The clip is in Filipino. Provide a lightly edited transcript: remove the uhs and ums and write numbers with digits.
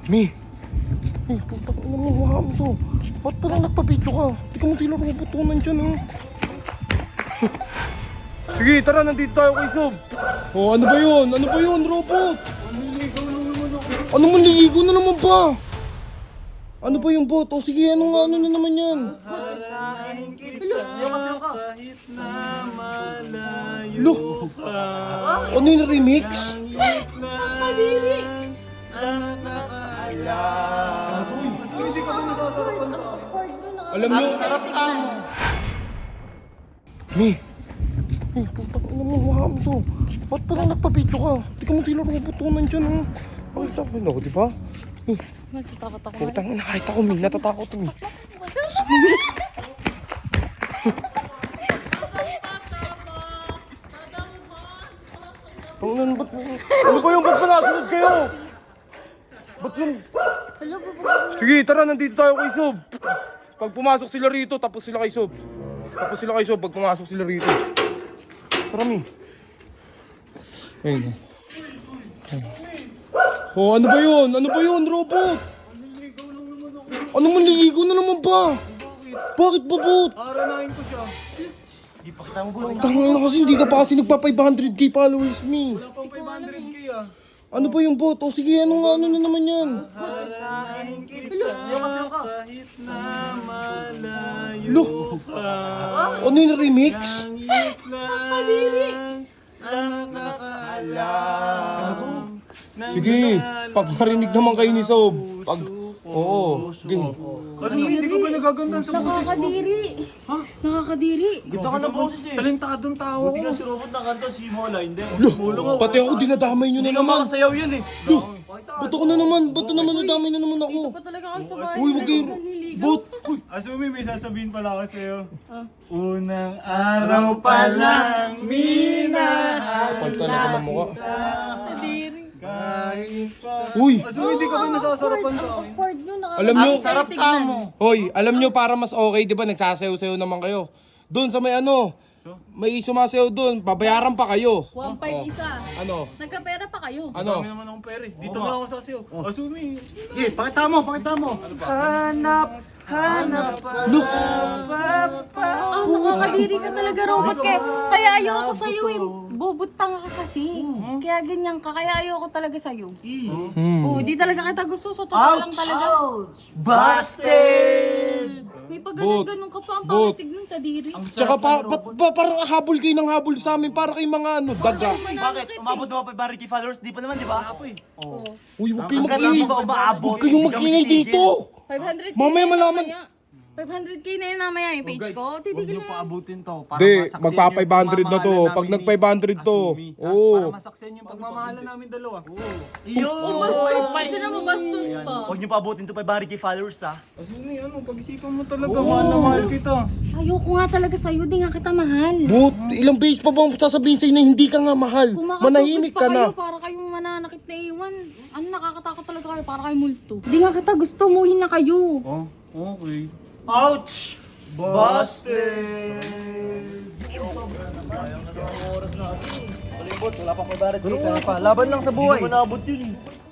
Mi! Putang ina mo, wala mo to. Ba't pa lang nagpapicture ka? Di ka mo sila robot ko nandyan, ha? Sige, tara, nandito tayo kay Sob. Oh, ano ba yun? Ano ba yun, robot? Manliligaw lang naman ako. Ano manliligaw na naman ba? Ano ba yung bot? O sige, ano nga, ano na naman yan? Haranahin kita kahit na malayo Lo! pa. Ano yung remix? Kadiri! Ang nakakaalam. Hindi ka ba nasasarapan sa akin? Alam nyo, Sarap ka mo. Mi! Putang ina mo, wala mo to. Ba't pa lang nagpapicture ka? Di ka mo sila robot ko nandyan, ha? Nakita ko yun ako, di ba? Natatakot ako. Putang ina, kahit ako, Mi. Natatakot, Mi. Ano ba yung ba't pa nasunod kayo? Ba't yung... Hello, Sige, tara, nandito tayo kay Sob. Pag pumasok sila rito, tapos sila kay Sob. Tapos sila kay Sob, pag pumasok sila rito. Tara, Mi. Ayun. Oh, ano ba yun? Ano ba yun, robot? Ano manliligaw na naman ba? Bakit ba, bot? Haranahin ko siya. Tangin na kasi, hindi ka pa kasi nagpa 500k followers, Mi. Wala pang 500k ah. Ano ba yung bot? O sige, ano nga, ano na naman yan? Haranahin kita kahit na malayo Lo! pa. Ano yung remix? Kadiri! Ang nakakaalam. Sige, pag marinig naman kayo ni Sob. Pag... Oo, sige. Ano hindi ka ba nagagandang sa boses mo? Nakakadiri! Ha? Nakakadiri! Ganda ka ng boses eh. Talentadong tao ko. Buti nga si Robot na kanta, si Mola, hindi. Pati ako dinadamay nyo na naman. Makasayaw yun eh. Ba't ako na naman? Ba't na naman nadamay na naman ako? Ito pa talaga kayo sa bahay. Uy, wag kayo. Naliligaw. Bot! Asumi, may sasabihin pala ako sa'yo. Unang araw pa lang, minahal Pal talaga ng mukha. Kadiri! kahit pa. Uy! Asumi, hindi ka ba nasasarapan sa akin? Awkward nyo. Alam nyo, Sarap ka mo. Hoy, alam nyo para mas okay, di ba? Nagsasayaw-sayaw naman kayo. Doon sa may ano, may sumasayaw doon, babayaran pa kayo. 1.5 isa. Ano? Nagkapera pa kayo. Ano? Dami naman akong pera eh. Dito na lang ako sasayaw. Asumi. Eh, pakita mo, pakita mo. Hanap pa. Look! Nakakadiri ka talaga, robot. Kaya ayoko sa'yo eh. Bobotang ka kasi. Kaya ganyan ka. Kaya ayoko talaga sa'yo. Oo, di talaga kita gusto. So, totoo lang talaga. Busted! May pag-ganun ka pa. Ang Bot. pangitig ng kadiri. Tsaka parang habol kayo ng habol sa amin para kay mga ano, daga. Bakit? Umabot na ba 500k followers? Di pa naman, di ba? Ako eh. Uy, huwag kayong Hanggang mag-ingay. lang ba umaabot? Huwag kayong mag-ingay dito. 500k Mamaya na malaman. mamaya. 500k na yun namaya yung page ko. Titigil na yun. Paabutin to. Para Hindi, masaksiyan magpa yung 500 na to. pagmamahalan Pag namin nag ni 500 to. Asumi, ha? Oo. Para masaksen yung pagmamahalan namin dalawa. Oh, bastos pa. Hindi na mabastos pa. Huwag niyo paabutin to 500k followers ha. Asumi, ano, pag-isipan mo talaga. Mahal na mahal kita. Ayoko nga talaga sa'yo. Di nga kita mahal. But, ilang beses pa bang sasabihin sa'yo na hindi ka nga mahal? Kumakasukot Manahimik pa ka na. kayo para kayong mananakit na iwan. Ano, nakakatakot talaga kayo para kayo multo. Di nga kita gusto. Muhin na kayo. Oh, okay. Ouch! Busted! Wala pang 500k, kaya pa. Laban lang sa buhay. Hindi mo naabot yun eh.